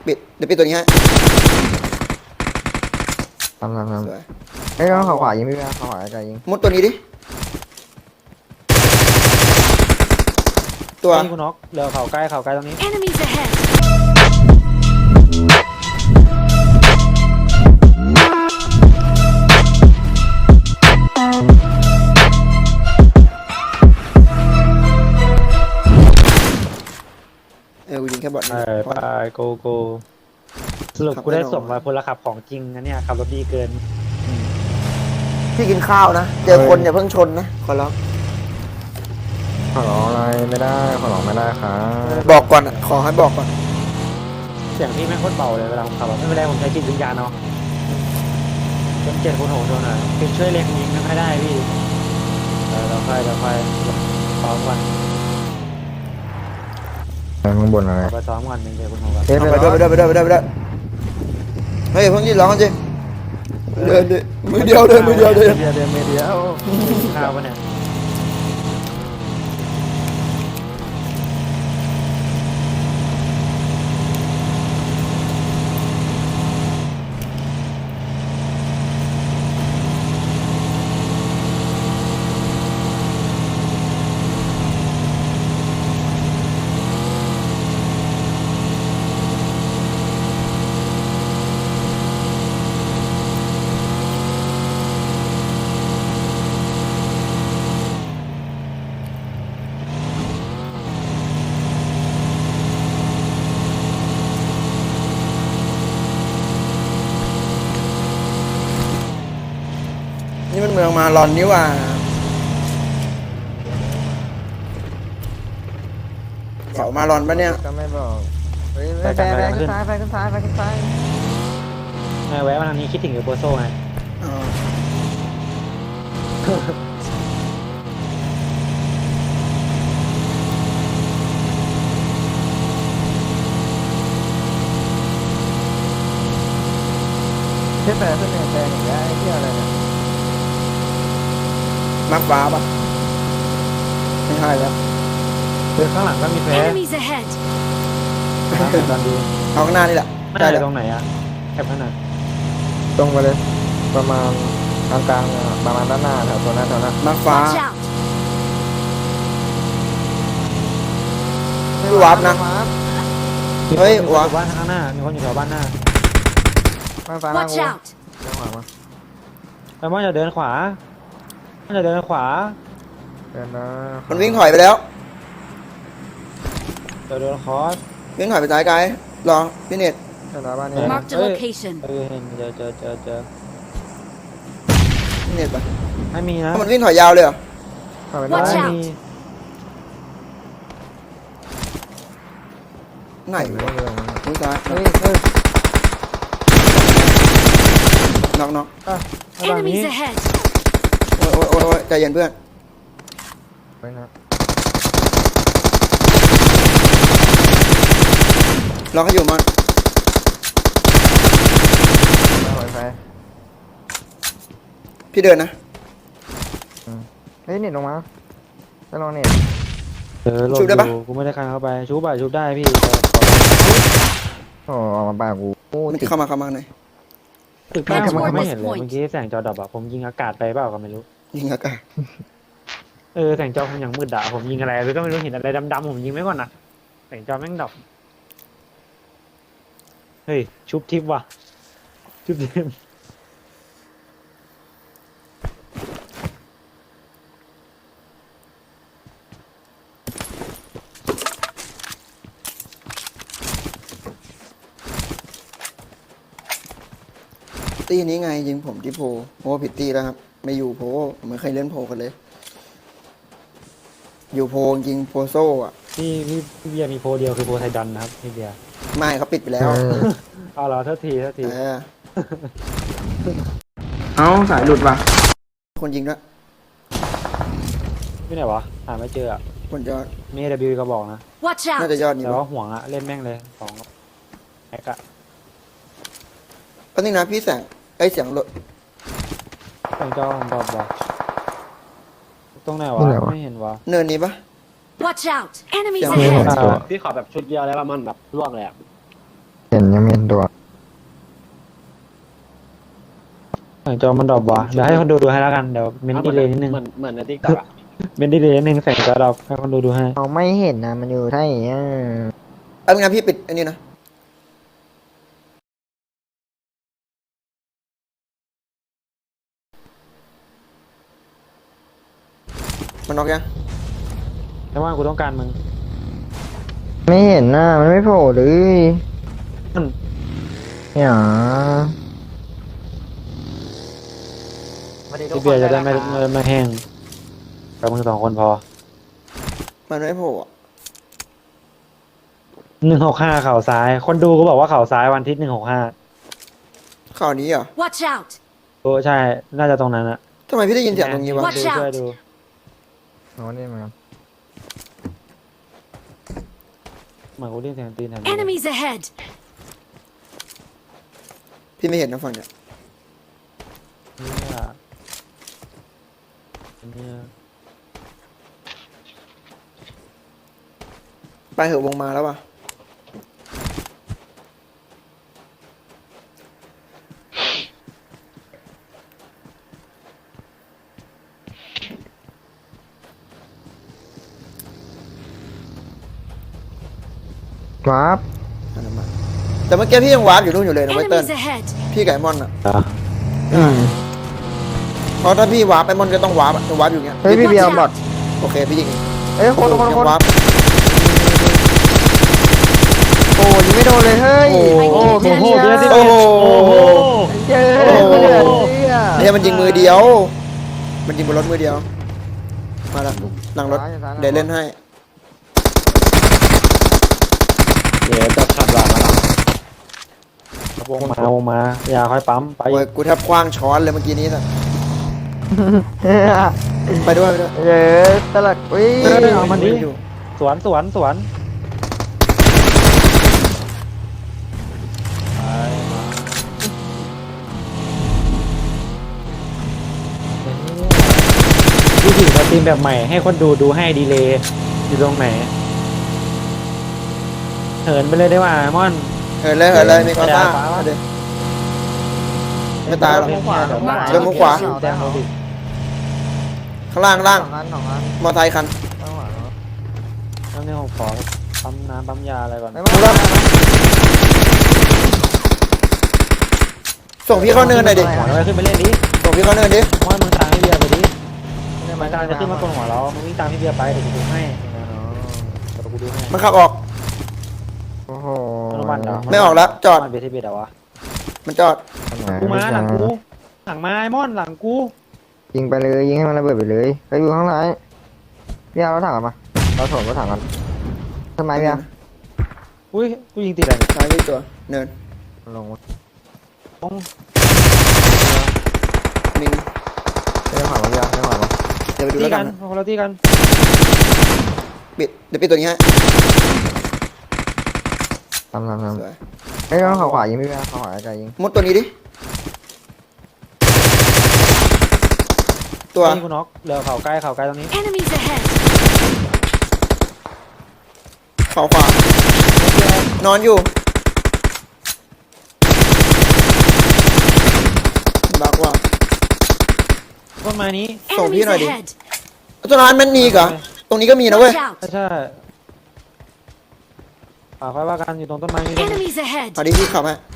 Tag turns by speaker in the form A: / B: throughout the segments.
A: ปิดเดี๋ยวปิดตัวนี้ให้
B: ทำ
A: สวย
B: เฮ้ยเขาขวายิงพี่เขาขวาไกลยิง
A: มุดตัวนี้ดิตัว
C: นี่คุณน็อกเหลือเขาใกล้ตรงนี้
D: Enemies ahead.
A: กูยิงแค่บอท
C: ไปโกสรุปกูได้ส่งมาพลขับของจริงนะเนี่ยขับรถดีเกิน
A: พี่กินข้าวนะเจอคนอย่าเพิ่งชนนะขอร้อง
B: ขอร้องอะไรไม่ได้ขอร้องไม่ได้ครับ
A: บอกก่อนขอให้บอกก่อน
C: เสียงพี่แม่งโคตรเบาเลยเวลาผมขับไม่เป็นไรผมใช้จิตวิญญาณเนาะจน7 คูณ 6โดนหน่อยเป็นช่วยเล็งยิงไม่ได้พี่เราค่อยซ้อมกัน
B: ข้างบนอะไร
C: ไปซ้อมกัน1 7 คูณ 6
B: เฮ้ย
A: ไปด้วยเฮ้ยเพิ่งยืนร้องกันจิเดินดิมือเดียวเดินมือเดียว
C: ข้าวปะเนี่ย
A: นี่มันเมืองมาลอนนี่ว่าเขามาลอนปะเนี่ย
B: ก็ไม่บอกเฮ้ยไปขึ้นซ้าย
C: แวะมาทางนี้คิดถึงเอโปโซ่ไง
A: อ๋อ
B: ขึ้นเนี่ยแดงอย่างเงี้ยไอ้เหี้ยอะไรเนี่ย
A: มักฟ้าปะไม่ใช่แล้ว
C: คือข้างหลังก็มีแพ้
D: Enemies ahead.
C: ตอนดี
A: เอาข้างหน้านี่แหละ
C: ไม่
A: ได้
C: ได้
A: เลย
C: ตรงไหนอะแคบขนาด
B: ตรงไปเลยประมาณกลางๆประมาณด้านหน้าแถวตัวหน้า
A: มักฟ้า
D: Watch out.
A: ไม่วาร์ปนะ เฮ้ย
C: มีคน
A: วะ
C: อยู่บ้านข้างหน้ามีคนอยู่แถวบ้านหน้า
B: มาซ้ายหน้า
D: Watch
B: กู
D: out.
B: เดี๋ยวขวามา
C: ไปมอนจะเดินขวาจะเดินขวา
B: เดินนะ
A: มันวิ่งถอยไปแล้ว
C: จะเดินคอส
A: วิ่งถอยไปซ้ายไกลรอพี่เนต
B: เดินบ้านนี้
D: Marked a location.
C: เห็นเจอ
A: พี่เนตปะ
C: ไม่มีนะ
A: ถ้ามันวิ่งถอยยาวเลยเหรอ
B: เข้าไปได้
D: Watch
C: ไม่
D: out
C: มี
A: ไหน
B: ไม่
A: วะ
B: เดิน
A: วิ่งซ้าย
B: เฮ้ย
A: น็อก
C: ตอนนี้
D: Enemies ahead.
A: โอ้ยใจเย็นเพื่อน
B: ไปนะ
A: รอเขาอยู่มัน
B: ไป
A: พี่เดินนะ
B: เฮ้ยเน็ตลงมาไปลองเน็ต
C: โหลดอยู่กูไม่ได้คันเข้าไปชุบได้พี่
B: โอ้ออกมาปากกู
A: มันจะเข้ามาหน่อย
C: ตึกบ้านผมไม่เห็นเลยเมื่อกี้แสงจอดับอะผมยิงอากาศไปเปล่าก็ไม่รู้
A: ยิงอากาศ
C: แสงจอผมยังมืดอะผมยิงอะไรก็ไม่รู้เห็นอะไรดำๆผมยิงไม่ก่อนนะแสงจอแม่งดับเฮ้ยชุบทิปว่ะชุบทิป
A: ตีนี้ไงยิงผมที่โพผิดตีแล้วครับไม่อยู่โพผมไม่เคยเล่นโพกันเลย อยู่โพยิงโพโซ่อะ
C: พี่เบียร์มีโพเดียวคือโพไทดอนนะครับพี่เบียร์
A: ไม่เขาปิดไปแล้ว
C: เอาเหรอเท่าที
A: เอาสายหลุดว่ะคนยิงด้วย
C: ที่ไหนวะหาไม่เจออะ
A: คนยอด
C: มี AW ก็บอกนะ
D: Watch
A: น่า
D: out.
A: จะยอดนี่
C: แต่
A: วะ
C: ว่าห่วงอะเล่นแม่งเลยสองแอกอะ
A: ก็นี่นะพี่แสงไอ้เสียงรถ
C: แสงจอผมบอกตรงไหนวะไม่เห็นวะ
A: เนินนี้ปะ
D: Watch out. Enemies
A: ยัง
D: ahead.
C: พี่ขอแบบชุดเดียวแล้วมันแบบล่วงเลยอะ
B: เเห็นยังไม่เห็นตัว
C: จอมันดรอปว่ะเดี๋ยวให้คนดูให้แล้วกันเดี๋ยวเมนดีเลยนิดนึง
D: เหมือนในติ๊กต็อกอะ
C: เมนดีเลยนิดนึงแสงจอดรอปให้คนดูให้
B: เราไม่เห็นนะมันอยู่ที่ไหนอ่ะ
A: เอาเป็นไงพี่ปิดอันนี้นะมันน็อกยัง
C: แต่ว่ากูต้องการมึง
B: ไม่เห็นนะมันไม่โผล่เลย
C: อืม
B: เนี่ย
C: พี่เบียร์จะได้ไม่แห้งกับมึง2 คนพอ
A: มันไม่โผล่อะ
C: 165เข่าซ้าย คนดูก็บอกว่าเข่าซ้ายวันที่165
A: ข่าวนี้เหรอ
E: Watch out!
C: โอ้ใช่ น่าจะตรงนั้นอะ
A: ทำไมพี่ได้ยินเสียงตรงนี้วะ
E: Watch
C: ดู
E: out
C: ช่วยดู
B: อ๋อนี่มัน
C: เหมือนกูได้ยินเสียงตีนแถวนี้
E: Enemies ahead!
A: พี่ไม่เห็นนะฝั่งเนี่ย
C: เนี่ย
A: ไปเหอะวงมาแล้ววะ
B: วาร์ป
A: อันนั้นมาแต่เมื่อกี้พี่ยังวาร์ปอยู่นู่นอยู่เลยนะไวเติ้ล
E: Enemies ahead!
A: พี่ไก่มอนอะ
C: อ่ะ
A: เพราะถ้าพี่วาร์ปไอ้มอนก็ต้องวาร์ปอะจะวาร์ปอยู่เงี้ย
B: เฮ้ยพี่เบียร์บอด
A: โอเคพี่ยิงเอง
B: เอ้ยคน
A: ยังวาร์ป
B: โอ้ยิงไม่โดนเลยเฮ้ย
C: โอ้โห
B: พี่
C: โอ้โห
B: เบียร์
C: เดี๋ยว
A: โอ้โห
B: เจอ
A: โอ้โห
B: คนเดือดเนี่ย
A: เนี่ยมันยิงมือเดียว มันยิงบนรถมือเดียว มาละหลังรถ เดี๋ยวเล่นให้
C: เดี๋ยวจะขับหลังมาแล้ววงมาอย่าค่อยปั๊มไป
A: โอ้ยกูแทบคว้างช้อนเลยเมื่อกี้นี้สัสไปด้วยไปด้วย
B: เย้ตลักอุ้ย
C: เอามันดิสวนวิธีสตรีมแบบใหม่ให้คนดูให้ดีเลยอยู่ตรงไหนเหินไปเลยได้ว่าม่อน
A: เหินเลยมีความซ่าเอาดิไม่ตายหรอก เดินมุมขวา
C: แดงโรบิ
A: ข้างล่าง
B: สองอัน
A: มอไซค์คัน
B: ข้างหลัง
C: แล้วเนี่ยผมขอปั๊มน้ำปั๊มยาอะไรก่อน
B: ไม่ว่า
A: ส่งพี่เข้าเนินหน่อยดิ
C: หัวเราขึ้นไปเล่นดิ
A: ส่งพี่เข้าเนินดิ
C: ม่อนมึงตามพี่เบียร์ไปดิ
B: ไม่
C: มันกำลังจะขึ้นมาบนหัวเรามึงวิ่งตามพี่เบียร์ไปเดี๋ยวกูดูให้เดี๋ยวกูดูให้
A: มันขับออก
B: โอ้โห
C: มันเหรอ
A: ไม่ออกแล้วจอด
C: มันเบียร์ที่เบียร์เหรอวะ
A: มันจอด
C: กูมาหลังกูหลังไม้ม่อนหลังกู
B: ยิงไปเลยยิงให้มันระเบิดไปเลยไปอยู่ข้างในพี่เอารถถังกันมาเราถมรถถังกันทำไมพี่เอา
C: อุ้ยกูยิงติดอะไรเนี่ย
A: ซ้ายนี่ตัว เนิน
B: ลง
C: ต้อง
A: มิง
B: ไม่ได้ผ่านมาพี่เอาไม่ได้ผ่านมา
A: เดี๋ยวไปดู
C: ตี
A: แล้ว
C: กั
A: กัน น
C: คนละตีกัน
A: เดี๋ยวปิดตัวนี้ให้
B: ทำ
A: สวย
B: เฮ้ยต้องเขาขวายิงพี่เอาเขาขวาไกลยิง
A: มุดตัวนี้ดิ ตัว
C: ตีกูน็อกเหลือเข่าใกล้ตรงนี้
E: Enemies ahead!
A: ขวา นอนอยู่บักว่า
C: ต้นไม้นี้
A: ส่งพี่
E: Enemies
A: หน่อยดิ
E: ahead!
A: ตัวนั้นมันมีอีกเหรอ ตรงนี้ก็มีนะเว้ย
E: Watch out!
C: ใช่ค่อยว่ากันอยู่ตรงต้นไม้นี้ด้วย
E: Enemies ahead!
A: พอดีพี่ขับให้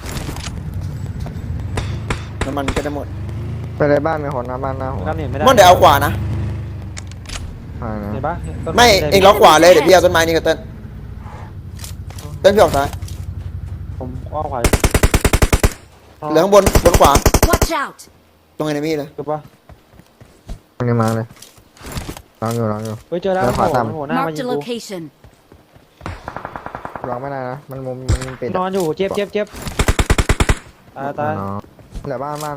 A: น้ำมันก็จะหมด
B: ไปเลยบ้านมีคนนะบ้านหน้าหัว
C: ครับเนี่ยไม่ได้
A: ม่อนเดี๋ยวเอาขวานะ
B: ใช่นะ
C: เห็นปะต้น
A: ไม่ เองล็อกขวาเลย เดี๋ยวพี่เอาต้นไม้นี่กับเต้นพี่ออกซ้าย
C: ผมอ้อมขวา
A: เหลือข้างบนขวา
E: Watch out!
A: ตรงไอ้นี่เลย
C: ถูกปะ
B: ตรงนี้มาเลยลองอยู่
C: เฮ้ยเจอแล้ว
B: แล้วขวาต่ำ
C: หัวหน้ามา
E: Marked
C: ยิ
E: a
C: งกู
E: location.
B: ลองไม่ได้นะมันมุมมันปิด
C: นอนอยู่เจ็บตาย
B: เหลือบ้านมา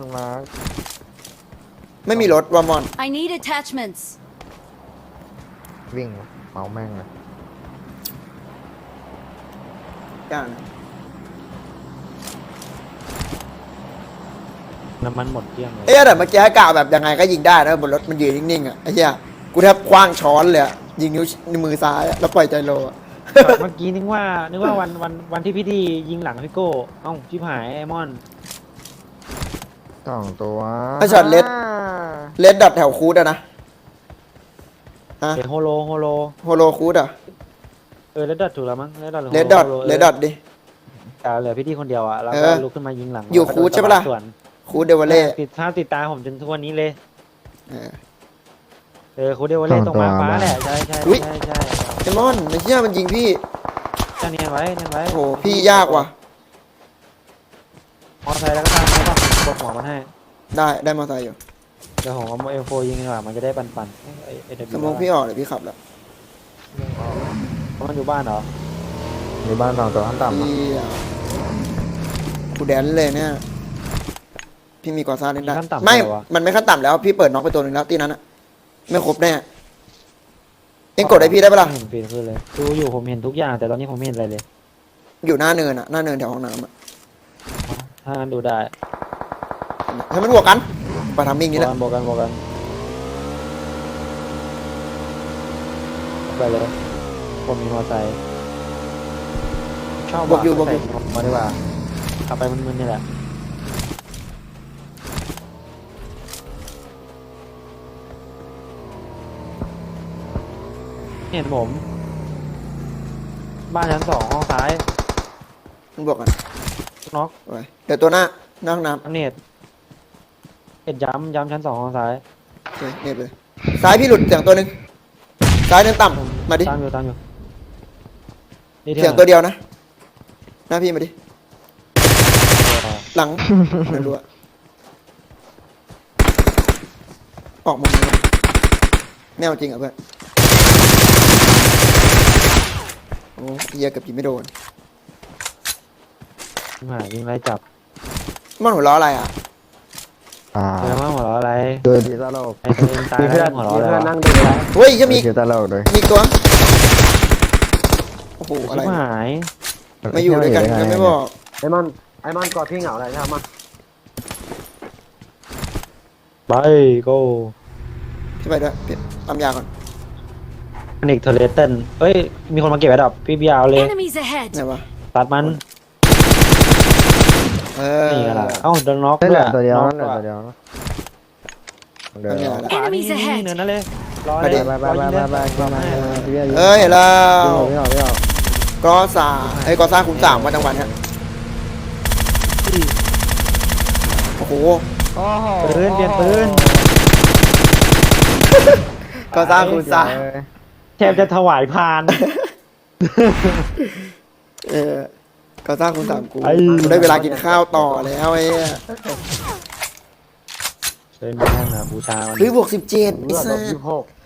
A: ไม่มีรถวามอน
E: I need attachments.
B: วิ่งเมาแม่งเลย
A: ย่าง
C: น้ำมันหมดเกลี้ยงเลย
A: เอ๊ะแต่เมื่อกี้กะแบบยังไงก็ยิงได้นะบนรถมันยืนนิ่งๆอ่ะไอ้เหี้ยกูแทบคว้างช้อนเลยอะยิงนิ้วมือซ้ายอะแล้วปล่อยใจโลอะ
C: เมื่อกี้นึกว่าวันที่พี่ดียิงหลังพี่โก้เอ้าชิบหายไอมอน
B: 2 ตัว
A: ไอ้ช็อตเลดดัดแถวคูดอะนะฮะ
C: เห็นโฮโล
A: โฮโลคูดอะ
C: เลดดอทถูกแล้วมั้งเลดดอท
A: เลดดัดดิ
C: เหลือพี่ดีคนเดียวอ่ะแล้ว
A: เอ
C: ก็
A: อ
C: ลุกขึ้นมายิงหลัง
A: อยู่คูดใช่ปะล่ะ
C: ส่วน
A: คูดเดวเล่
C: ติดตามผมจนทุกวันนี้เลย
A: เออ
C: คูดเดวเล่ตรงมาฟ้าแหละใช่
A: อุ๊ย
C: ใช่
A: ไอมอนไอ้เหี้ยมันยิงพี่
C: จะเนียนไว้
A: โอ้โหพี่ยากว่ะ
C: มอไซค์แล้วก็ตามแล้วก็กดหัวมันให้
A: ได้มอเตอร์ไซค์อยู่
C: เดี๋ยวผมเอาเอลโฟยิงดีกว่ามันจะได้ปั่นไอเด
A: สมองพี่ออกเดี๋ยวพี่ขับแล้ว
C: มันอยู่บ้านเหรอ
B: มีบ้าน2 ตัวขั้นต่ำนะ
A: เหี้ยกูแดนเลยเนี่ยพี่มีกอซ่าเล่นได้
C: มีขั้นต่ำ
A: ไม่
C: ด้วยวะ
A: มันไม่ขั้นต่ำแล้วพี่เปิดน็อกไปตัวหนึ่งแล้วตีนั้นอะไม่ครบแน่เอ็งกดให้พี่ได้ปะล่ะ
C: ไม่เห็นฟีดขึ้นเลยดูอยู่ผมเห็นทุกอย่างแต่ตอนนี้ผมไม่เห็นอะไรเลย
A: อยู่หน้าเนินอะหน้าเนินแถวห้องน้ำอะ
C: ถ้างั้นดูได้
A: ให้มันบวกกันไปทำมิ่งนี่แหละ
C: บอกกันไปเลยผมมีมอเตอร์ไซค์ชอบบ
A: วกอยู่
C: ใส่มาดีกว่าขับไปมึนๆนี่แหละเห็นผม บ้านชั้น 2ห้องซ้าย
A: มันบวกกัน
C: น็อก
A: ไปเดี๋ยวตัวหน้าห้องน้ำ
C: อันเน็ตย้ำชั้น 2ห้องซ้าย
A: โอเคเน็บเลยซ้ายพี่หลุดเสียงตัวหนึ่งซ้ายเนินต่ำมาดิ
C: ตามอยู่นี่
A: เสียงตัวเดียวนะหน้าพี่มาดิหลังไม่รู้อะออกมุมนี้ไม่เอาจริงเหรอเพื่อนโอ้เหี้ยเกับยิงไม่โดน
C: หายิงไรจับ
A: มันหัวล้ออะไรอ่ะ
C: เออมาหัวเราะอะไร
B: ดูดีตลก
C: ไอ้ตัวเองตายแล้วหัวเราะอะไรนั่งดู
A: เฮ้ยจะมี
B: ดูตลกเลย
A: มีอีกตัวโอ้โหอะไร
C: ชิบหาย
A: มาอยู่ด้วยกันยังไม่บอก
D: ไอมอนกอดพี่เหงาอะไรใช่ไหม
C: ไปโก้
A: พี่ไปด้วยพี่ปั๊มยาก่อน
C: อันอีกเทเลเตนเอ้ยมีคนมาเก็บไอ้ดอกพี่เบียร์เอาเลย
E: Enemies ahead!
A: ไหนวะ
C: ตัดมัน นี่กันละเอ้าโดนน็อก
B: ได้
C: ด้
B: เห
C: ว
B: ลื
C: ย
B: อตัวเดียว
C: น็
B: นะ
C: อก
B: เหลือตัวเดียวนะเดี๋ยว
A: ปั๊มยาแล้ว
C: ขวานี่
E: Enemies ahead
C: เนินนั่นเลยรอ
A: มา
C: เล
A: ดิ
C: ย
B: ไป
C: รอยิงเลย
B: พี่เบียร์
A: เอ้ยเห็นแล้ว
B: พี่ออก
A: กอซ่าไอ้กอซ่าคูณ3มาจังหวัดเนี้ยโอ้โห
B: โอ้โห
C: ปืนเปลี่ยนปืน
A: กอซ่าคูณ3
C: แทบจะถวายพาน
A: กอซ่าคูณ3กู
C: ไอ้
A: กูได้เวลากินข้าวต่อแล้วไอ้เหี้ย
C: เดินแม่งนะบูชาวัน
A: เฮ้ยบวก17ไอ้
D: เลือด
A: สั
D: ลบ
A: ส
D: 26